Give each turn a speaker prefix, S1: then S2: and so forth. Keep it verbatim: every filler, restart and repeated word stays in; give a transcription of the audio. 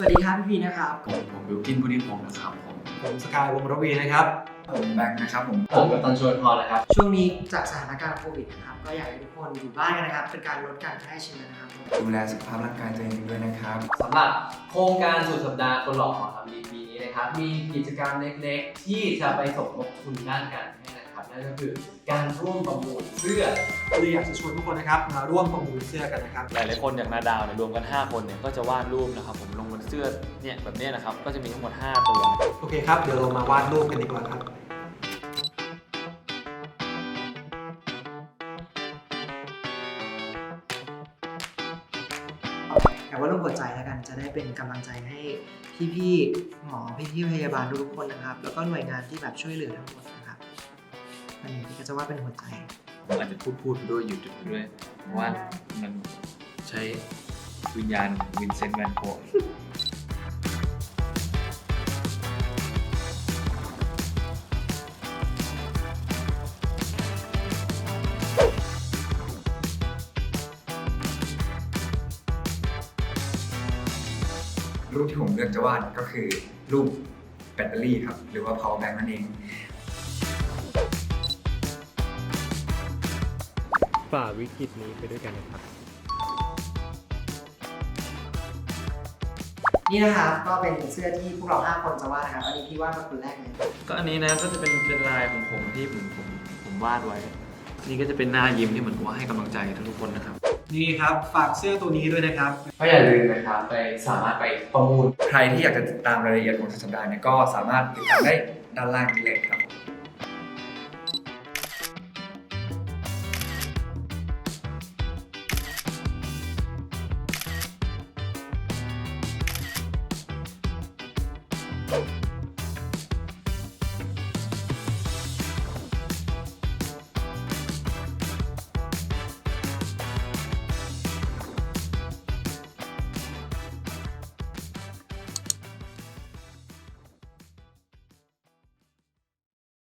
S1: ดีครับพี่พีนะครับ
S2: ผมผมบิวกินพุทธิพงศ์นะครับผม
S3: ผมสกายวงศ์ระวีนะครับ
S4: ผมแบงค์นะครับผม
S5: ผมกับตันชวนพรนะครับ
S1: ช่วงนี้จากสถานการณ์โควิดนะครับก็อยากให้ทุกคนอยู่บ้านกันนะครับเป็นการลดการแพร่เชื้อนะครับ
S4: ดูแลสุขภาพร่างกายตัวเองด้วยนะครับ
S5: สำหรับโครงการสุดสัปดาห์คนหล่อของทำดีปีนี้นะครับมีกิจกรรมเล็กๆที่จะไปสมทบทุนด้านการแพทย์นะครับนั่นก็คือการร่วมประมูลเสื้อ
S3: เลยอยากจะชวนทุกคนนะครับมาร่วมประมูลเสื้อกันนะครับ
S2: หลายๆคนอย่างนาดาวเนี่ยรวมกันห้าคนเนี่ยก็จะวาดรูปนะครับผมลงบนเสื้อเนี่ยแบบนี้นะครับก็จะมีทั้งหมดห้าตัว
S3: โอเคครับเดี๋ยวเรามาวาดรูปกันดีกว่าครับ
S1: แต่ว่ารูปหัวใจแล้วกันจะได้เป็นกำลังใจให้พี่ๆหมอพี่ๆพยาบาลทุกๆคนนะครับแล้วก็หน่วยงานที่แบบช่วยเหลือทั้งหมดนะครับอันนี้ก็จะว่าเป็นหัวใจ
S2: ผมอาจจะพูดพูดไปด้วยหยุดไปด้วยเพราะว่ามันใช้วิญญาณวินเซนต์แวนโกะ
S4: รูปที่ผมเลือกจะวาดก็คือรูปแบตเตอรี่ครับหรือว่า power bank นั่นเอง
S6: ฝ่าวิกฤตนี้ไปด้วยกันนะครับ
S1: นี่นะครับก็เป็นเสื้อที่พวกเราห้าคนจะวาดนะครับอันนี้พี่วาดมาคนแรกเลย
S2: ก็อันนี้นะก็จะเป็นเป็นลายของผมที่ผมผมผมวาดไว้นี่ก็จะเป็นหน้ายิ้มที่เหมือนกับว่าให้กำลังใจทุกๆคนนะครับ
S3: นี่ครับฝากเสื้อตัวนี้ด้วยนะครับ
S5: ก็อย่าลืมนะครับไปสามารถไปประมูล
S4: ใครที่อยากจะติดตามรายละเอียดของสุดสัปดาห์เนี่ยก็สามารถติดตามได้ด้านล่างนี้เลยครับ